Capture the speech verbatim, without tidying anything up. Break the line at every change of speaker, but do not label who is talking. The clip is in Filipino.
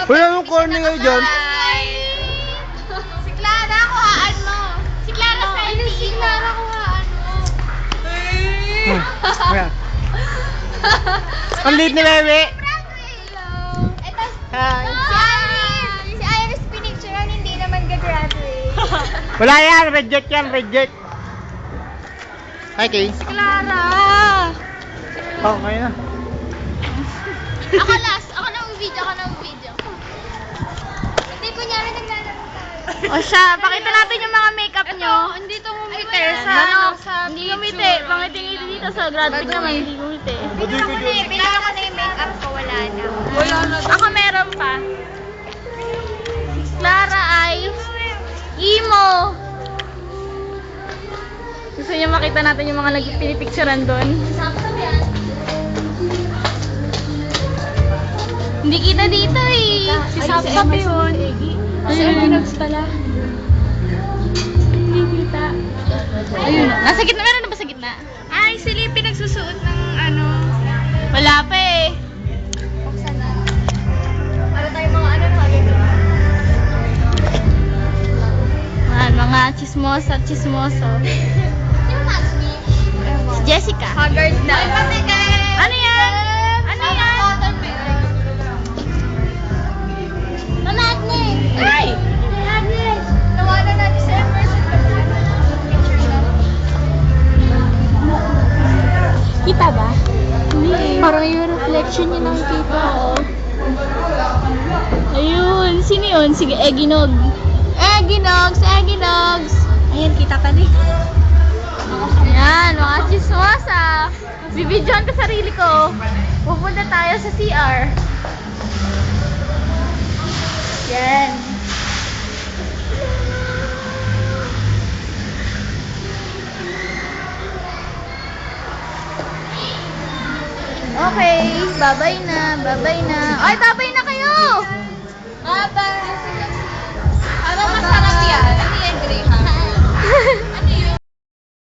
Uy, anong corny kayo dyan?
Si Clara, kuhaan mo. Si Clara sa N T E. Si Clara, kuhaan mo.
Hmm. Ayan. Ang liit ni Bebe.
Ito,
Hi.
si Iris. Si Iris pinicturean, hindi naman gagraduate.
Wala yan, reject yan, reject. Hi, Kay.
Si Clara.
Oh, ngayon na.
Ako last. Ako na video. Ako na video. Hindi, kunyari naglalaro tayo.
O siya, pakita natin yung mga makeup nyo.
Hindi to
Ngumiti sa ano, hindi ngumiti. Pangiti-ngiti dito sa graphic naman, hindi ngumiti.
Pinaka ko na eh. Pinaka ko na yung makeup ko. Wala na.
Wala na. Ako meron pa. Clara ay emo. Gusto niyo makita natin yung mga nagpinipicturean doon? Hindi kita dito eh.
Si Sapsap yun.
Si Eminox pala. Hindi kita. Ayun. Nasa gitna. Meron na ba sa gitna?
Ay, si Lippy nagsusuot ng ano.
Wala pa eh.
Buksan na. Para tayo mga ano na
Ayan, mga chismosa, chismoso.
Sino mag-speech?
Si Jessica.
Haggard na. Ay, pati kay...
Ano yan? Ano yan?
Mama Agnes!
Ay!
Agnes! Nawalan natin sa Emerson pag ano, picture lang.
Kita ba? Hindi. Parang yung reflection niya nakikita. Ayun. Sino yun? Sige, Eginog. Eginogs! Eginogs!
Ayan, kita pa din.
Ayan, mga chismosa. Bibidyoan ko sarili ko. Pupunta tayo sa C R. Yan. Okay, babay na, babay na. Ay, babay na kayo!
Bye-bye!